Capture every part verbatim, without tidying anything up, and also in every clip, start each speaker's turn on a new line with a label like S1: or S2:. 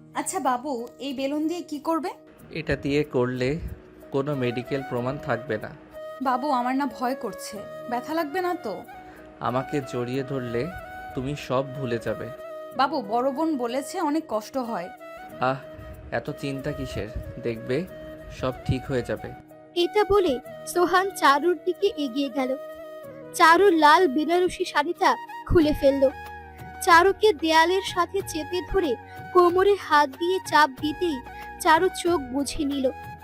S1: আচ্ছা বাবু, এই বেলুন দিয়ে কি করবে?
S2: এটা দিয়ে করলে কোনো মেডিকেল প্রমাণ থাকবে না।
S1: বাবু, আমার না ভয় করছে। ব্যথা লাগবে না তো?
S2: আমাকে জড়িয়ে ধরলে তুমি সব ভুলে যাবে।
S1: বাবু, বড় বোন বলেছে অনেক কষ্ট হয়।
S2: আহ, এত চিন্তা কিসের? দেখবে সব ঠিক হয়ে যাবে।
S3: এটা বলে সোহান চারুর দিকে এগিয়ে গেল। চারুর লাল বেনারসি শাড়িটা খুলে ফেলল। চারুকে দেয়ালের সাথে চেপে ধরে কোমরে হাত দিয়ে চাপ দিতেই চারু চোখ বুঝে নিল।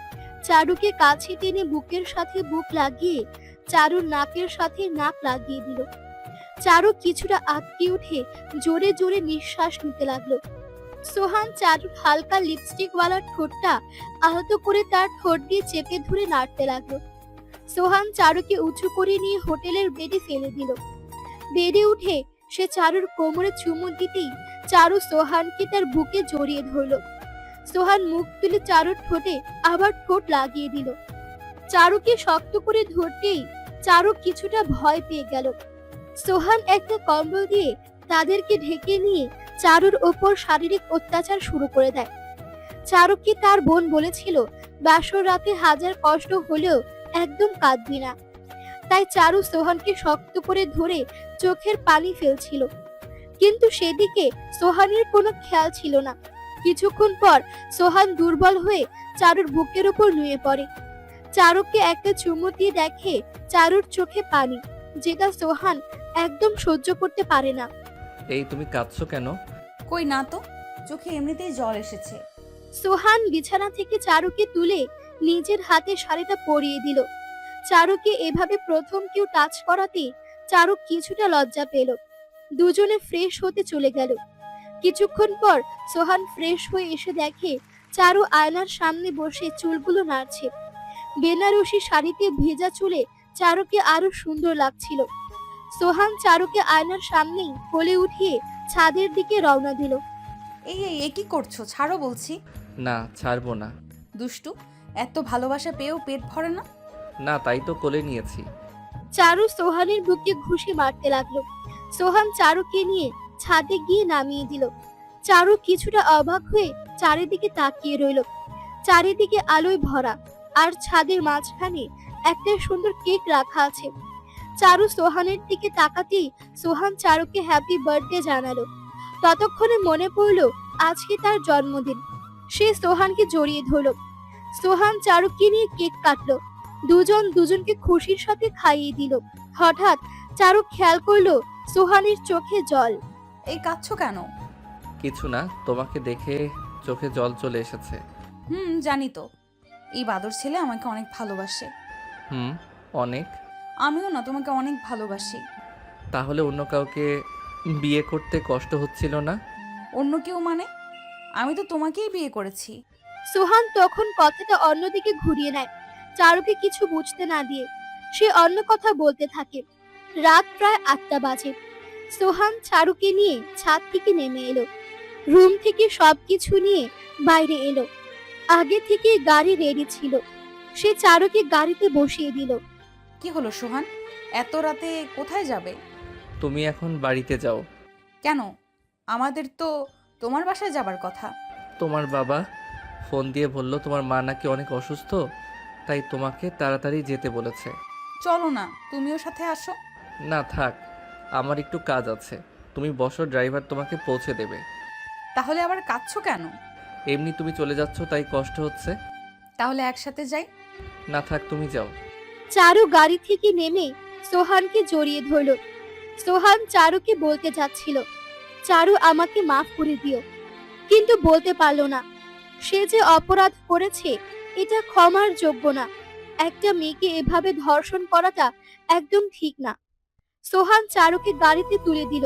S3: চারুকে কাছে টেনে বুকের সাথে বুক লাগিয়ে চারুর নাকের সাথে নাক লাগিয়ে দিল। চারু কিছুটা আটকে উঠে জোরে জোরে নিঃশ্বাস নিতে লাগলো। সোহান চারুর হালকা লিপস্টিক ওয়ালা ঠোঁটটা আহত করে তার ঠোঁট দিয়ে চেপে ধরে নাড়তে লাগলো। সোহান চারুকে উঁচু করে নিয়ে হোটেলের বেডে ফেলে দিল। বেডে উঠে সে চারুর কোমরে চুমু দিতেই চারু সোহানকে তার বুকে জড়িয়ে ধরলো। সোহান মুখ তুলে চারুর ঠোঁটে আবার ঠোঁট লাগিয়ে দিল। চারুকে শক্ত করে ধরতেই চারু কিছুটা ভয় পেয়ে গেল। সোহান একটা কম্বল দিয়ে তাদেরকে ঢেকে নিয়ে চারুর ওপর শারীরিক অত্যাচার শুরু করে দেয়। চারুকে তার বোন বলেছিল বাসর রাতে হাজার কষ্ট হলেও একদম কাঁদবি না। তাই চারু সোহানকে শক্ত করে ধরে চোখের পানি ফেলছিল, কিন্তু সেদিকে সোহানের কোনো খেয়াল ছিল না। কিছুক্ষণ পর সোহান দুর্বল হয়ে চারুর বুকের উপর নুয়ে পড়ে। চারুকে একটা চুমু দিয়ে দেখে চারুর চোখে পানি, যেটা সোহান একদম সহ্য করতে পারে না।
S2: এই, তুমি কাঁদছো কেন?
S1: কই না তো, চোখে এমনিতেই জল এসেছে।
S3: সোহান বিছানা থেকে চারুকে তুলে নিজের হাতে শাড়িটা পরিয়ে দিল। চারুকে এভাবে প্রথম কেউ টাচ করাতে চারু কিছুটা লজ্জা পেল। দুজনে ফ্রেশ হতে চলে গেল। কিছুক্ষণ পর সোহান ফ্রেশ হয়ে এসে দেখে চারু আয়নার সামনে বসে চুলগুলো নাড়ছে। বেনারসি শাড়িতে ভেজা চুলে চারুকে আরো সুন্দর লাগছিল। সোহান চারুকে আয়নার সামনেই কোলে উঠিয়ে ছাদের দিকে রওনা দিল।
S1: এই এই এ কি করছো? ছাড়ো বলছি।
S2: না, ছাড়বো না।
S1: দুষ্টু, এত ভালোবাসা পেয়েও পেট ভরে না?
S2: না, তাই তো কোলে নিয়েছি।
S3: চারু সোহানের বুকে ঘুষি মারতে লাগলো। সোহান চারুকে নিয়ে ছাদে গিয়ে নামিয়ে দিল। চারু কিছুটা অবাক হয়ে চারিদিকে তাকিয়ে রইল। চারিদিকে আলোয় ভরা, আর ছাদের মাঝখানে একটা সুন্দর কেক রাখা আছে। চারু সোহানের দিকে তাকাতেই সোহান চারুকে হ্যাপি বার্থডে জানালো। ততক্ষণে মনে পড়ল আজকে তার জন্মদিন। সে সোহানকে জড়িয়ে ধরল। সোহান চারুকে নিয়ে কেক কাটলো। দুজন দুজনকে খুশির সাথে খাইয়ে দিল। হঠাৎ চারু খেয়াল করলো সোহানের চোখে জল।
S1: এই কাঁদছো কেন?
S2: কিছু না, তোমাকে দেখে চোখে জল চলে এসেছে।
S1: হুম, জানি তো। এই বাদর ছেলে আমাকে অনেক ভালোবাসে।
S2: হুম, অনেক।
S1: আমিও না তোমাকে অনেক ভালোবাসি।
S2: তাহলে অন্য কাউকে বিয়ে করতে কষ্ট হচ্ছিল না?
S1: অন্য কেউ মানে? আমি তো তোমাকেই বিয়ে করেছি।
S3: সোহান তখন কথাটা অন্যদিকে ঘুরিয়ে নেয়, চারুকে কিছু বুঝতে না দিয়ে। সে অন্য কথা বলতে থাকে। রাত প্রায় আটটা বাজে। সোহান চারুকে নিয়ে ছাদ থেকে নেমে এলো। রুম থেকে সবকিছু নিয়ে বাইরে এলো। আগে থেকে গাড়ি রেডি ছিল। সে চারুকে গাড়িতে বসিয়ে দিল।
S1: কি হলো সোহান, এত রাতে কোথায় যাবে?
S2: তুমি এখন বাড়িতে যাও।
S1: কেন? আমাদের তো তোমার বাসায় যাবার কথা।
S2: তোমার বাবা ফোন দিয়ে বলল তোমার মা নাকি অনেক অসুস্থ, তাই তোমাকে তাড়াতাড়ি যেতে বলেছে।
S1: চলো না, তুমিও সাথে আসো।
S2: না থাক, আমার একটু কাজ আছে। তুমি বসো, ড্রাইভার তোমাকে পৌঁছে দেবে।
S1: তাহলে আবার কাঁদছো কেন?
S2: এমনি তুমি চলে যাচ্ছ তাই কষ্ট হচ্ছে।
S1: তাহলে একসাথে যাই।
S2: না থাক, তুমি যাও।
S3: চারু গাড়ি থেকে নেমে সোহানকে জড়িয়ে ধরল। সোহান চারুকে বলতে যাচ্ছিল, চারু আমাকে মাফ করে দিও, কিন্তু বলতে পারল না। সে যে অপরাধ করেছে এটা ক্ষমার যোগ্য না। একটা মেয়েকে এভাবে ধর্ষণ করাটা একদম ঠিক না। সোহান চারুকে গাড়িতে তুলে দিল।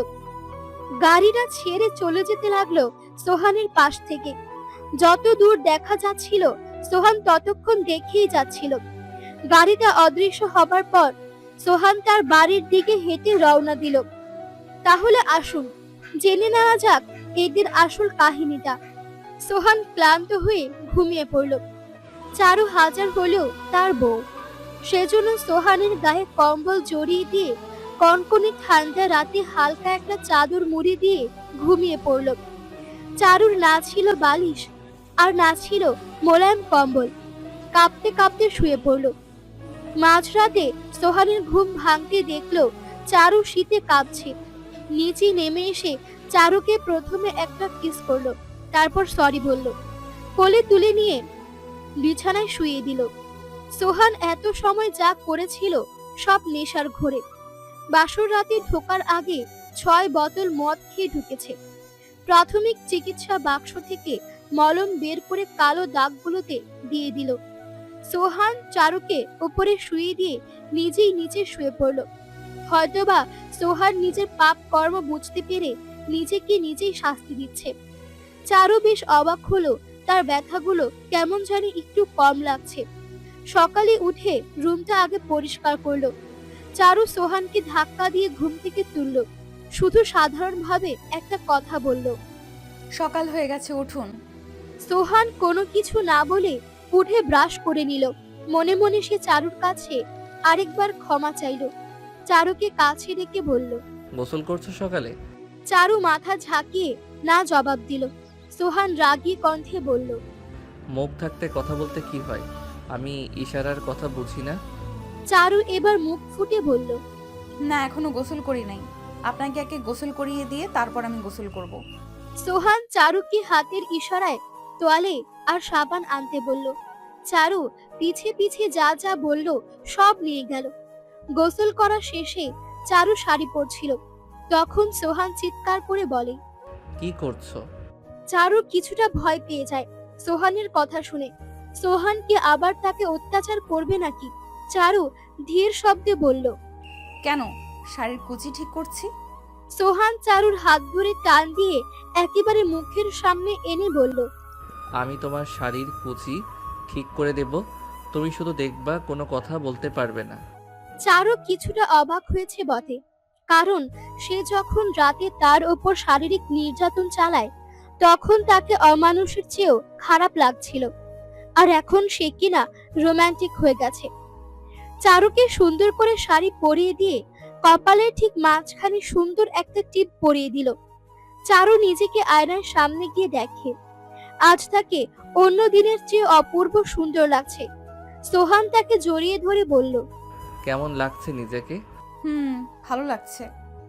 S3: গাড়িটা ছেড়ে চলে যেতে লাগলো সোহানের পাশ থেকে। যত দূর দেখা যাচ্ছিল সোহান ততক্ষণ দেখেই যাচ্ছিল। গাড়িটা অদৃশ্য হবার পর সোহান তার বাড়ির দিকে হেঁটে রওনা দিল। তাহলে আসুন জেনে নেওয়া যাক এদের আসল কাহিনীটা। সোহান ক্লান্ত হয়ে ঘুমিয়ে পড়ল। চারু হাজার হলেও তার বউ, সেজন্য সোহানের গায়ে কম্বল জড়িয়ে দিয়ে কনকনে ঠান্ডা রাতে হালকা একটা চাদর মুড়ি দিয়ে ঘুমিয়ে পড়ল। চারুর না ছিল বালিশ আর না ছিল মোলায়েম কম্বল। কাঁপতে কাঁপতে শুয়ে পড়ল। মাঝরাতে সোহানের ঘুম ভাঙতে দেখলো চারু শীতে কাঁপছে। নিচে নেমে এসে চারুকে প্রথমে একটা কিস করলো, তারপর সরি বলল, কোলে তুলে নিয়ে বিছানায় শুয়ে দিল। সোহান এত সময় যা করেছিল সব নেশার ঘোরে। বাসর রাতে ঢোকার আগে ছয় বোতল মদ খেয়ে ঢুকেছে। প্রাথমিক চিকিৎসা বাক্স থেকে মলম বের করে কালো দাগগুলোতে দিয়ে দিল। সোহান চারুকে উপরে শুয়ে দিয়ে নিজেই নিচে শুয়ে পড়ল। হয়তোবা সোহান নিজের পাপ কর্ম বুঝতে পেরে নিজেকে নিজেই শাস্তি দিচ্ছে। চারু বেশ অবাক হলো, তার ব্যথাগুলো কেমন জানি একটু কম লাগছে। সকালে উঠে রুমটা আগে পরিষ্কার করলো। চারু সোহানকে ধাক্কা দিয়ে ঘুম থেকে তুলল। শুধু সাধারণভাবে একটা কথা বলল,
S1: সকাল হয়ে গেছে, উঠুন।
S3: সোহান কোনো কিছু না বলে উঠে ব্রাশ করে নিল। মনে মনে সে চারুর কাছে আরেকবার ক্ষমা চাইল। চারুকে কাছে ডেকে বলল,
S2: গোসল করছো সকালে?
S3: চারু মাথা ঝাঁকিয়ে না জবাব দিল। সোহান রাগী কণ্ঠে বলল,
S2: মুখ থাকতে কথা বলতে কি হয়? আমি ইশারার কথা বুঝি না?
S3: চারু এবার মুখ ফুটে বলল,
S1: না, এখনো গোসল করি নাই। আপনাকে একে গোসল করিয়ে দিয়ে তারপর আমি গোসল করব।
S3: সোহান চারুকে হাতের ইশারায় তোয়ালে আর সাবান আনতে বলল। চারু পিছে পিছে যা যা বলল সব নিয়ে গেল। গোসল করা শেষে চারু শাড়ি পরছিল। তখন সোহান চিৎকার করে বলে,
S2: কি করছো?
S3: চারু কিছুটা ভয় পেয়ে যায় সোহানের কথা শুনে। সোহান কি আবার তাকে অত্যাচার করবে নাকি? চারু ধীর শব্দে বলল,
S1: কেন? শাড়ির কুচি ঠিক করছি।
S3: সোহান চারুর হাত ধরে টান দিয়ে একেবারে মুখের সামনে এনে বলল,
S2: আমি তোমার শাড়ির কুচি ঠিক করে দেব, তুমি শুধু দেখবা, কোনো কথা বলতে পারবে না।
S3: চারু কিছুটা অবাক হয়েছে বটে, কারণ সে যখন রাতে তার ওপর শারীরিক নির্যাতন চালায় তখন তাকে অমানুষের চেয়েও খারাপ লাগছিল, আর এখন সে কিনা রোমান্টিক হয়ে গেছে। চারুকে সুন্দর করে শাড়ি পরিয়ে দিয়ে কপালের ঠিক মাঝখানে সুন্দর একটা টিপ পরিয়ে দিল। চারু নিজেকে আয়নার সামনে গিয়ে দেখে আজ তাকে অন্য দিনের চেয়ে অপূর্ব সুন্দর লাগছে। সোহান তাকে জড়িয়ে ধরে বলল,
S2: কেমন লাগছে নিজেকে?
S1: হুম, ভালো লাগছে।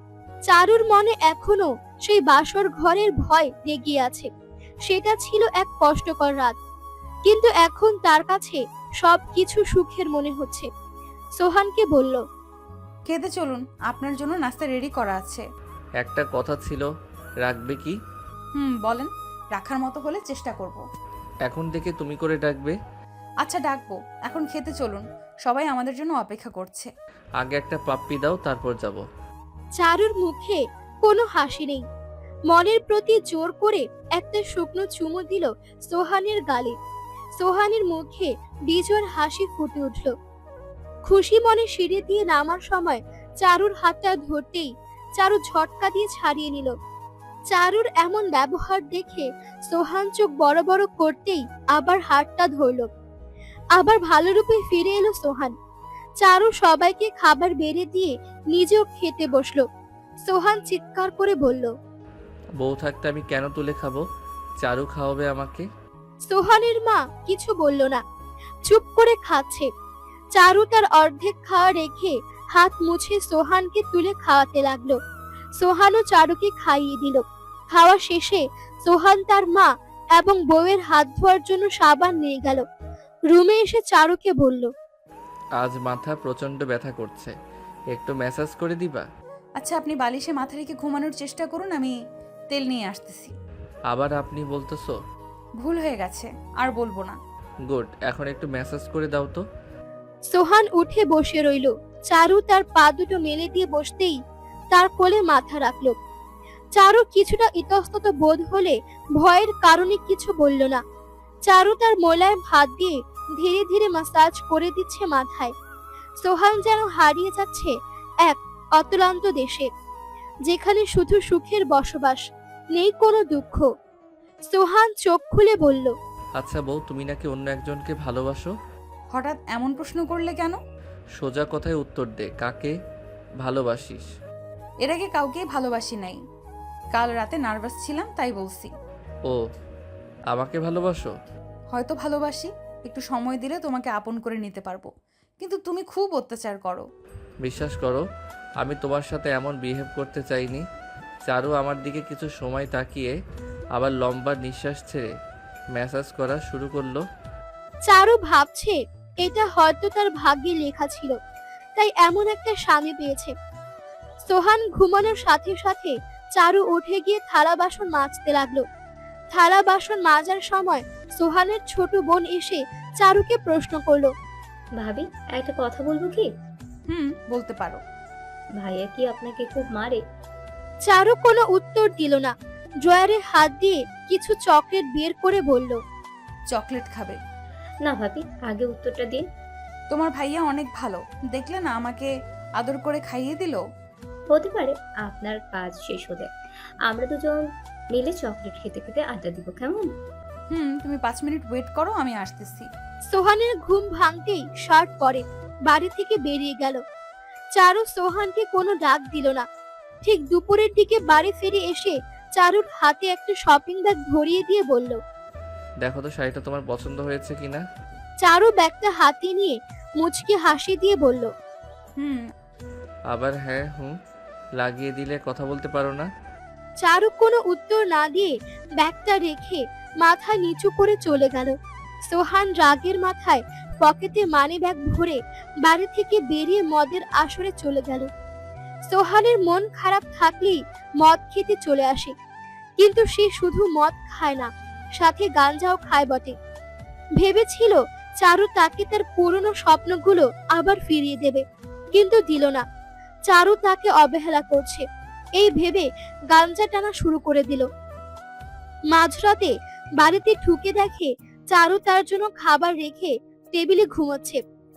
S3: চারুর মনে এখনো সেই বাসর ঘরের ভয় লেগে আছে। সেটা ছিল এক কষ্টকর রাত, কিন্তু এখন তার কাছে সবকিছু সুখের মনে হচ্ছে। সোহানকে বলল,
S1: খেতে চলুন, আপনার জন্য নাস্তা রেডি করা আছে।
S2: একটা কথা ছিল, রাখবে কি?
S1: হুম, বলেন। রাখার মতো হলে চেষ্টা করব।
S2: এখন থেকে তুমি করে ডাকবে।
S1: আচ্ছা, ডাকবো। এখন খেতে চলুন, সবাই আমাদের জন্য অপেক্ষা করছে।
S2: আগে একটা পাপ্পি দাও, তারপর যাব।
S3: চারুর মুখে কোনো হাসি নেই। মনের প্রতি জোর করে একটা শুকনো চুমু দিল সোহানের গালে। সোহানের মুখে বিজোর হাসি ফুটে উঠল। খুশি মনে সিঁড়ি দিয়ে নামার সময় চারুর হাতটা ধরতেই চারু ঝটকা দিয়ে ছাড়িয়ে নিল। চারুর এমন ব্যবহার দেখে সোহান চোখ বড় বড় করতেই আবার হাতটা ধরল। আবার ভালো রূপে ফিরে এলো সোহান। চারু সবাইকে খাবার বেড়ে দিয়ে নিজেও খেতে বসলো। সোহান চিৎকার করে বলল,
S2: বউ থাকতে আমি কেন তুলে খাবো? চারু খাওয়াবে আমাকে।
S3: সোহানের মা কিছু বলল না, চুপ করে খাচ্ছে। চারু তার অর্ধেক খাওয়া রেখে হাত মুছে সোহানকে তুলে খাওয়াতে লাগলো। সোহানও চারুকে খাইয়ে দিল। খাওয়া শেষে সোহান তার মা এবং বউয়ের হাত ধোয়ার জন্য সাবান নিয়ে গেল। রুমে এসে চারুকে বলল,
S2: আজ মাথা প্রচন্ড ব্যথা করছে, একটু ম্যাসাজ করে দিবা?
S1: আচ্ছা, আপনি বালিশে মাথা রেখে ঘুমানোর চেষ্টা করুন, আমি তেল নিয়ে আসতেছি।
S2: আবার আপনি বলতেছো?
S1: ভুল হয়ে গেছে, আর বলবো না।
S2: গুড, এখন একটু ম্যাসাজ করে দাও তো।
S3: সোহান উঠে বসে রইল। চারু তার পা দুটো মেলে দিয়ে বসতেই তার কোলে মাথা রাখলো। চারু কিছুটা ইতস্তত বোধ হলে ভয়ের কারণে কিছু বলল না। চারু তার মোলায়েম হাত দিয়ে ধীরে ধীরে মাসাজ করে দিচ্ছে মাথায়। সোহান যেন হারিয়ে যাচ্ছে এক অতলান্ত দেশে, যেখানে শুধু সুখের বসবাস, নেই কোনো দুঃখ। সোহান চোখ খুলে বলল,
S2: আচ্ছা বউ, তুমি নাকি অন্য একজনকে ভালোবাসো?
S1: হঠাৎ এমন প্রশ্ন করলে কেন?
S2: সোজা কথায় উত্তর দে, কাকে ভালোবাসিস?
S1: এর আগে কাউকে ভালোবাসি নাই। কাল রাতে নার্ভাস ছিলাম, তাই বলছি।
S2: ও, আমাকে ভালোবাসো?
S1: হয়তো ভালোবাসি, একটু সময় দিলে তোমাকে আপন করে নিতে পারবো, কিন্তু তুমি খুব অত্যাচার করো।
S2: বিশ্বাস করো, আমি তোমার সাথে এমন বিহেভ করতে চাইনি। চারু আমার দিকে কিছু সময় তাকিয়ে আবার লম্বা নিঃশ্বাস ছেড়ে ম্যাসাজ করা শুরু করলো।
S3: চারু ভাবছে এটা হয়তো তার ভাগ্যে লেখা ছিল, তাই এমন একটা স্বামী পেয়েছে। সোহান ঘুমানোর সাথে সাথে চারু উঠে গিয়ে থালা বাসন মাজতে লাগলো। থালা বাসন মাজার সময় সোহানের ছোট বোন এসে চারুকে প্রশ্ন করলো,
S4: ভাবি, একটা কথা বলবো কি?
S1: হুম, বলতে পারো।
S4: ভাইয়া কি আপনাকে খুব মারে?
S3: চারু কোনো উত্তর দিল না। ড্রয়ারে হাত দিয়ে কিছু চকলেট বের করে বলল,
S1: চকলেট খাবে?
S4: না ভাবি, আগে উত্তরটা দিন।
S1: তোমার ভাইয়া অনেক ভালো, দেখলে না আমাকে আদর করে খাইয়ে দিল।
S4: হতে পারে, আপনার কাজ শেষ হলে আমরা দুজন মিলে চকলেট খেতে খেতে আড্ডা দিব, কেমন?
S1: হুম, তুমি পাঁচ মিনিট ওয়েট করো, আমি আসতেছি।
S3: সোহানের ঘুম ভাঙতেই শার্ট পরে বাড়ি থেকে বেরিয়ে গেল। চারু সোহানকে কোনো ডাক দিল না। ঠিক দুপুরের দিকে বাড়ি ফিরে এসে চারুর হাতে একটা শপিং ব্যাগ ধরিয়ে দিয়ে বলল,
S2: দেখো তো শাড়িটা তোমার পছন্দ হয়েছে কিনা।
S3: চারু ব্যাগটা হাতে নিয়ে মুচকি হাসি দিয়ে বলল,
S1: হুম।
S2: আবার হ্যাঁ হুম লাগিয়ে দিলে কথা বলতে পারো না।
S3: চারু কোনো উত্তর না দিয়ে ব্যাগটা রেখে মাথা নিচু করে চলে গেল। সোহান রাগের মাথায় পকেটে মানি ব্যাগ ভরে বাড়ি থেকে বেরিয়ে মদের আসরে চলে গেল। সোহানের মন খারাপ থাকলেই মদ খেতে চলে আসে, কিন্তু সে শুধু মদ খায় না, সাথে গাঞ্জাও খায় বটে। ভেবেছিল চারু তাকে তার পুরনো স্বপ্নগুলো আবার ফিরিয়ে দেবে, কিন্তু দিল না। চারু তাকে অবহেলা করছে এই ভেবে গাঞ্জা টানা শুরু করে দিল। মাঝরাতে বাড়িতে ঢুকে দেখে চারু তার জন্য খাবার রেখে টেবিলে ঘুমাচ্ছে।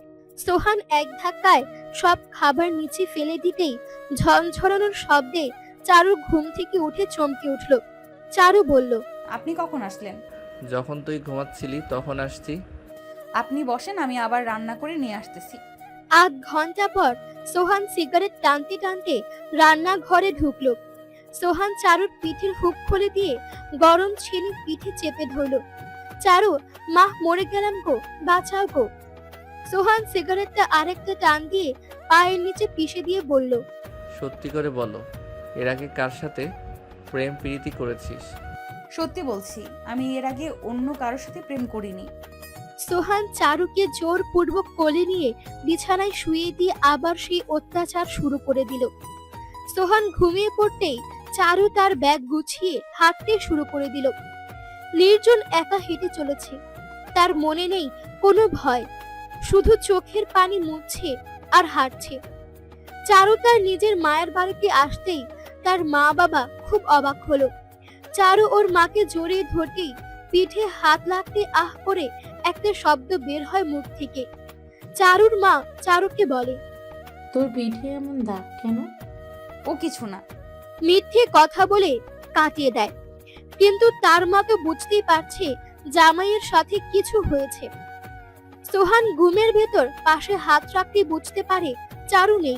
S3: সোহান এক ধাক্কায় সব খাবার নিচে ফেলে দিতেই ঝনঝরানোর শব্দে চারুর ঘুম থেকে উঠে চমকে উঠল। চারু বলল,
S1: আপনি কখন আসলেন?
S2: যখন তুই ঘুমাচ্ছিলি তখন আসছি।
S1: আপনি বসেন, আমি আবার রান্না করে নিয়ে আসতেছি।
S3: আধ ঘন্টা পর সোহান সিগারেট টানতে টানতে রান্নাঘরে ঢুকলো। সোহান চারুর পিঠের হুক খুলে দিয়ে গরম ছেলে পিঠে চেপে ধরলো। চারু, মা মরে গেলাম গো, বাঁচাও গো। সোহান সিগারেটটা আরেকটা টান দিয়ে পায়ের নিচে পিষে দিয়ে বলল,
S2: সত্যি করে বলো, এর আগে কার সাথে প্রেম প্রীতি করেছিস?
S1: সত্যি বলছি, আমি এর আগে অন্য কারোর সাথে প্রেম করিনি।
S3: সোহান চারুকে জোরপূর্বক কোলে নিয়ে বিছানায় শুয়ে দিয়ে আবার সেই অত্যাচার শুরু করে দিল। সোহান ঘুমিয়ে পড়তেই চারু তার ব্যাগ গুছিয়ে হাঁটতে শুরু করে দিল। নির্জন একা হেঁটে চলেছে, তার মনে নেই কোনো ভয়, শুধু চোখের পানি মুছছে আর হাঁটছে। চারু তার নিজের মায়ের বাড়িতে আসতেই তার মা বাবা খুব অবাক হলো। চারু ওর মাকে জড়িয়ে ধরতেই পিঠে হাত লাগতে আহ করে একটা শব্দ বের হয় মুখ থেকে। চারুর মা চারুকে বলে,
S5: তোর পিঠে এমন দাগ কেন?
S1: ও কিছু না।
S3: মিথ্যে কথা বলে কাটিয়ে দেয়, কিন্তু তার মা তো বুঝতেই পারছে জামাইয়ের সাথে কিছু হয়েছে। সোহান ঘুমের ভেতর পাশে হাত রাখতে বুঝতে পারে চারু নেই।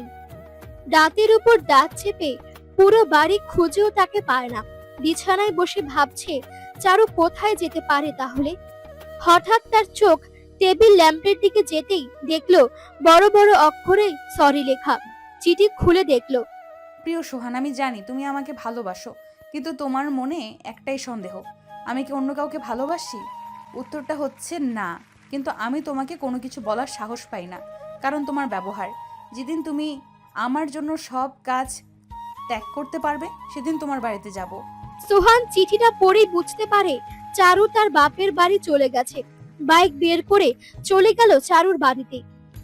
S3: দাঁতের উপর দাঁত চেপে পুরো বাড়ি খুঁজেও তাকে পায় না। বিছানায় বসে ভাবছে চারু কোথায় যেতে পারে তাহলে। হঠাৎ তার চোখ টেবিল ল্যাম্পের দিকে যেতেই দেখলো বড় বড় অক্ষরে সরি লেখা। চিঠি খুলে দেখলো,
S1: প্রিয় সোহান, আমি জানি তুমি আমাকে ভালোবাসো, কিন্তু তোমার মনে একটাই সন্দেহ, আমি কি অন্য কাউকে ভালোবাসি? উত্তরটা হচ্ছে না, কিন্তু আমি তোমাকে কোনো কিছু বলার সাহস পাই না, কারণ তোমার ব্যবহার। যেদিন তুমি আমার জন্য সব কাজ ত্যাগ করতে পারবে, সেদিন তোমার বাড়িতে যাব।
S3: সোহান চিঠিটা পড়েই বুঝতে পারে চারু তার বাপের বাড়ি চলে গেছে। বাইক বের করে চলে গেল চারুর বাড়িতে।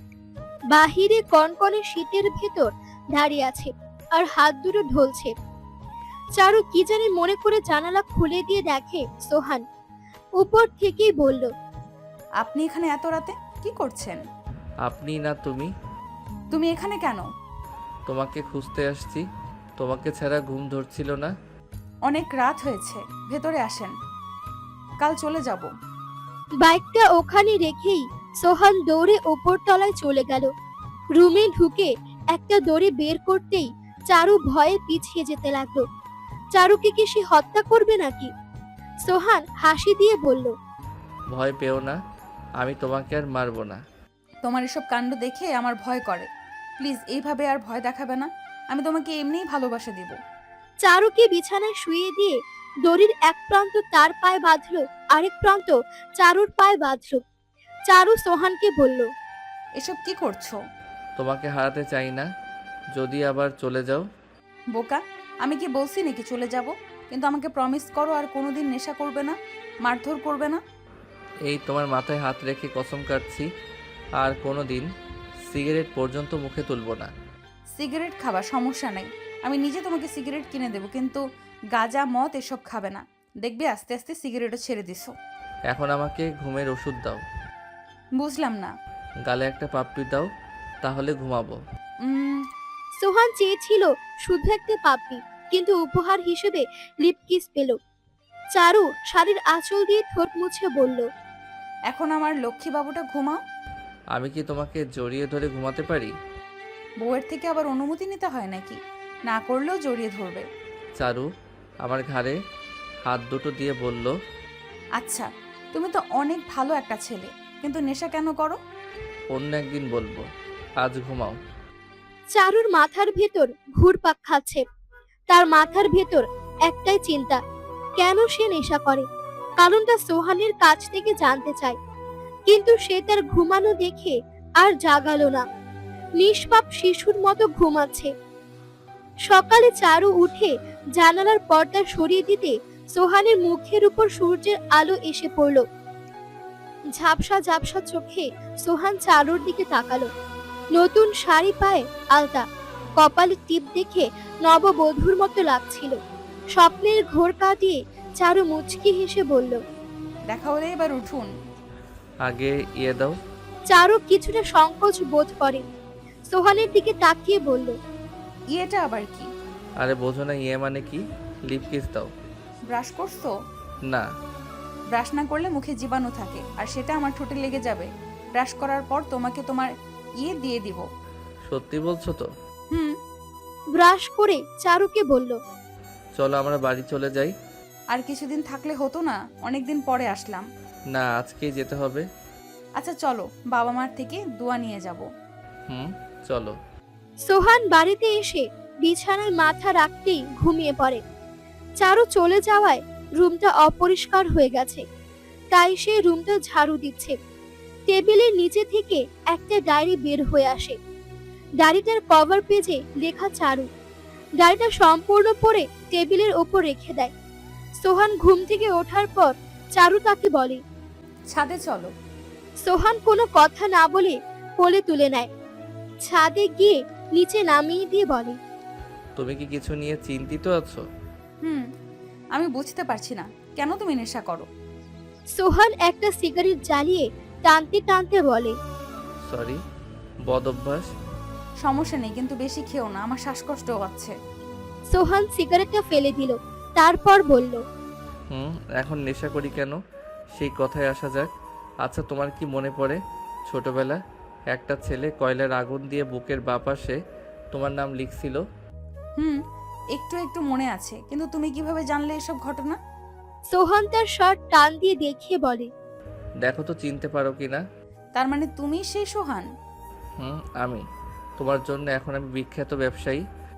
S3: বাহিরে কনকনে শীতের ভেতর দাঁড়িয়ে আছে আর হাত দুটো ঢলছে। চারু কি জানি মনে করে জানালা খুলে দিয়ে দেখে সোহান। উপর থেকেই বলল,
S1: আপনি এখানে এত রাতে কি করছেন?
S2: আপনি না তুমি?
S1: তুমি এখানে কেন?
S2: তোমাকে খুঁজতে আসছি, তোমাকে ছাড়া ঘুম ধরছিল না।
S1: অনেক রাত হয়েছে, ভেতরে আসেন, কাল চলে যাব।
S3: বাইকটা ওখানে রেখেই সোহান দৌড়ে ওপর তলায় চলে গেল। রুমে ঢুকে একটা দড়ি বের করতেই চারু ভয়ে পিছিয়ে যেতে লাগলো। চারুকে কি সে হত্যা করবে নাকি? সোহান হাসি দিয়ে বলল,
S2: ভয় পেও না, আমি তোমাকে আর মারবো না।
S1: তোমার এসব কাণ্ড দেখে আমার ভয় করে। প্লিজ এইভাবে আর ভয় দেখাবে না। আমি তোমাকে এমনিই ভালোবাসা দিব।
S3: চারুকে বিছানায় শুইয়ে দিয়ে দড়ির এক প্রান্ত তার পায়ে বাঁধল, আরেক প্রান্ত চারুর পায়ে বাঁধল। চারু সোহানকে বলল,
S1: এসব কি করছো?
S2: তোমাকে হারাতে চাই না, যদি আবার চলে যাও।
S1: বোকা, আমি কি বলছি নাকি চলে যাব? কিন্তু আমাকে প্রমিস করো আর কোনোদিন নেশা করবে না, মারধর করবে না।
S2: এই তোমার মাথায় হাত রেখে কসম কাটছি, আর কোনো দিন সিগারেট পর্যন্ত মুখে তুলবো না।
S1: সিগারেট খাবা, সমস্যা নেই, আমি নিজে তোমাকে সিগারেট কিনে দেবো, কিন্তু গাঁজা মদ এসব খাবে না। দেখবে আস্তে আস্তে সিগারেটও ছেড়ে দিছো।
S2: এখন আমাকে ঘুমের ওষুধ দাও।
S1: বুঝলাম না।
S2: গালে একটা পাপ্পি দাও, তাহলে ঘুমাবো।
S1: উম,
S3: সোহান চেয়েছিল শুধু একটা পাপ্পি, কিন্তু উপহার হিসেবে লিপ কিস পেল। চারু শাড়ির আঁচল দিয়ে ঠোঁট মুছে বলল,
S1: এখন আমার লক্ষ্মী বাবুটা ঘুমাও।
S2: আমি কি তোমাকে জড়িয়ে ধরে ঘুমাতে পারি?
S1: বউয়ের থেকে আবার অনুমতি নিতে হয় নাকি? না করলেও জড়িয়ে ধরবে।
S2: চারু আমার ঘাড়ে হাত দুটো দিয়ে বলল,
S1: আচ্ছা, তুমি তো অনেক ভালো একটা ছেলে, কিন্তু নেশা কেন করো?
S2: অন্য একদিন বলবো, আজ ঘুমাও।
S3: চারুর মাথার ভেতর ঘুরপাক খাচ্ছে। তার মাথার ভেতর একটাই চিন্তা, কেন সে নেশা করে। কারণটা সোহানের কাছ থেকে জানতে চায়, কিন্তু সে তার ঘুমানো দেখে আর জাগালো না। নিষ্পাপ শিশুর মতো ঘুমাচ্ছে। সকালে চারু উঠে জানালার পর্দা সরিয়ে দিতে সোহানের মুখের উপর সূর্যের আলো এসে পড়ল। ঝাপসা ঝাপসা চোখে সোহান চারুর দিকে তাকালো। নতুন শাড়ি পায়ে আলতা, কপালে টিপ দেখে নববধূর মতো লাগছিল। স্বপ্নের ঘোর কাটিয়ে চারু মুচকি হেসে বলল,
S1: দেখা হলে এবার উঠুন।
S2: আগে ইয়ে দাও।
S3: চারু কিছুটা সংকোচ বোধ করে। সোহানের দিকে তাকিয়ে বলল,
S1: ইয়েটা আবার কি?
S2: আরে বোঝো না ইয়ে মানে কি? লিপ কিস দাও।
S1: ব্রাশ করছো?
S2: না।
S1: ব্রাশ না করলে মুখে জীবাণু থাকে, আর সেটা আমার ঠোঁটে লেগে যাবে। ব্রাশ করার পর তোমাকে তোমার ইয়ে দিয়ে দিব।
S2: সত্যি বলছো তো?
S1: হুম।
S3: ব্রাশ করে চারুকে বলল,
S2: চলো আমরা বাড়ি চলে যাই।
S1: আর কিছুদিন থাকলে হতো না? অনেকদিন পরে আসলাম।
S2: না, আজকেই যেতে হবে।
S1: আচ্ছা চলো, বাবা মার থেকে দোয়া নিয়ে যাব।
S2: হুম, চলো।
S3: সোহান বাড়িতে এসে বিছানায় মাথা রাখতেই ঘুমিয়ে পড়ে। চারু চলে যাওয়ায় রুমটা অপরিষ্কার হয়ে গেছে, তাই সে রুমটা ঝাড়ু দিচ্ছে। টেবিলের নিচে থেকে একটা ডায়েরি বের হয়ে আসে। ডায়েরিটার কভার পেজে লেখা চারু। ডায়েরিটা সম্পূর্ণ পড়ে টেবিলের ওপর রেখে দেয়। সোহান ঘুম থেকে ওঠার পর চারু তাকে বলে,
S1: ছাদে চলো।
S3: সোহান কোনো কথা না বলে কোলে তুলে নেয়। ছাদে গিয়ে নিচে নামিয়ে দিয়ে বলে,
S2: তুমি কি কিছু নিয়ে চিন্তিত আছো?
S1: হুম, আমি বুঝতে পারছি না কেন তুমি নেশা করো।
S3: সোহান একটা সিগারেট জ্বালিয়ে টানতে টানতে বলে,
S2: সরি, বদ অভ্যাস।
S1: সমস্যা নেই, কিন্তু বেশি খেও না, আমার শ্বাসকষ্ট হচ্ছে।
S3: সোহান সিগারেটটা ফেলে দিল, তারপর বলল,
S2: হুম, এখন নেশা করি কেন সেই কথায় আসা যাক। আচ্ছা, তোমার কি মনে পড়ে ছোটবেলা একটা ছেলে কয়লার আগুন দিয়ে বুকের বাঁ পাশে তোমার নাম লিখছিল?
S1: হুম, একটু একটু মনে আছে, কিন্তু তুমি কিভাবে জানলে এসব ঘটনা?
S3: সোহান তার শার্ট টান দিয়ে দেখিয়ে বলে,
S2: দেখো তো চিনতে পারো কি না।
S1: তার মানে তুমি সেই সোহান?
S2: হুম, আমি। তোমার জন্য এখন আমি বিখ্যাত ব্যবসায়ী।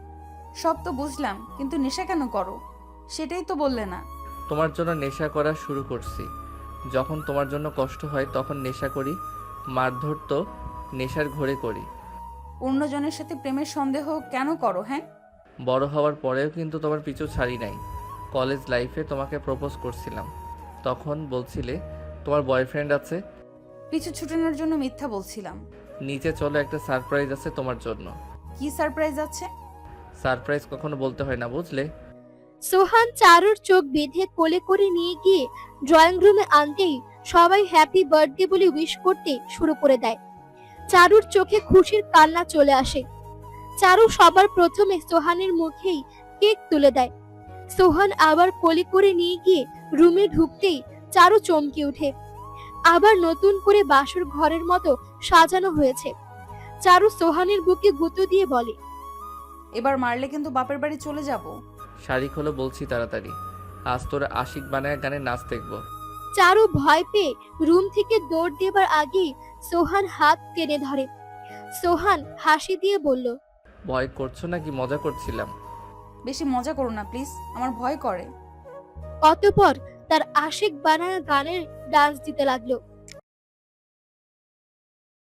S1: সব তো বুঝলাম, কিন্তু নেশা কেন করো সেটাই তো বললে না।
S2: তোমার জন্য নেশা করা শুরু করছি। যখন তোমার জন্য কষ্ট হয় তখন নেশা করি। মারধর তো নেশার ঘোরে করি।
S1: অন্যজনের সাথে প্রেমের সন্দেহ কেন করো? হ্যাঁ,
S2: বড় হওয়ার পরেও কিন্তু তোমার পিছু ছাড়ি নাই। কলেজ লাইফে তোমাকে প্রপোজ করছিলাম, তখন বলছিলে তোমার বয়ফ্রেন্ড আছে।
S1: পিছু ছুটানোর জন্য মিথ্যা বলছিলাম।
S2: নিচে চলো, একটা সারপ্রাইজ আছে তোমার জন্য।
S1: কি সারপ্রাইজ আছে?
S2: সারপ্রাইজ কখনো বলতে হয় না, বুঝলে?
S3: সোহান চারুর চোখ বেঁধে কোলে করে নিয়ে গিয়ে ড্রয়িং রুমে আনতেই সবাই হ্যাপি বার্থডে বলে উইশ করতে শুরু করে দেয়। চারুর চোখে খুশির কান্না চলে আসে। চারু সবার প্রথমে সোহানের মুখেই কেক তুলে দেয়। সোহান আবার কোলে করে নিয়ে গিয়ে রুমে ঢুকতেই চারু চমকে ওঠে। আবার নতুন করে বাসর ঘরের মতো সাজানো হয়েছে। চারু সোহানের বুকে গুঁতো দিয়ে বলে,
S1: এবার মারলে কিন্তু বাপের বাড়ি চলে যাব।
S2: শাড়ি খোলো বলছি তাড়াতাড়ি। আজ তোর আশিক বানায় গানে নাচ দেখবো।
S3: চারু ভয় পেয়ে রুম থেকে দৌড় দেবার আগেই সোহান হাত টেনে ধরে। সোহান হাসি দিয়ে বলল,
S2: ভয় করছো নাকি মজা করছিলাম?
S1: বেশি মজা করো না প্লিজ, আমার ভয় করে।
S3: অতঃপর তার আশিক বানানো গানের ডান্স দিতে লাগলো।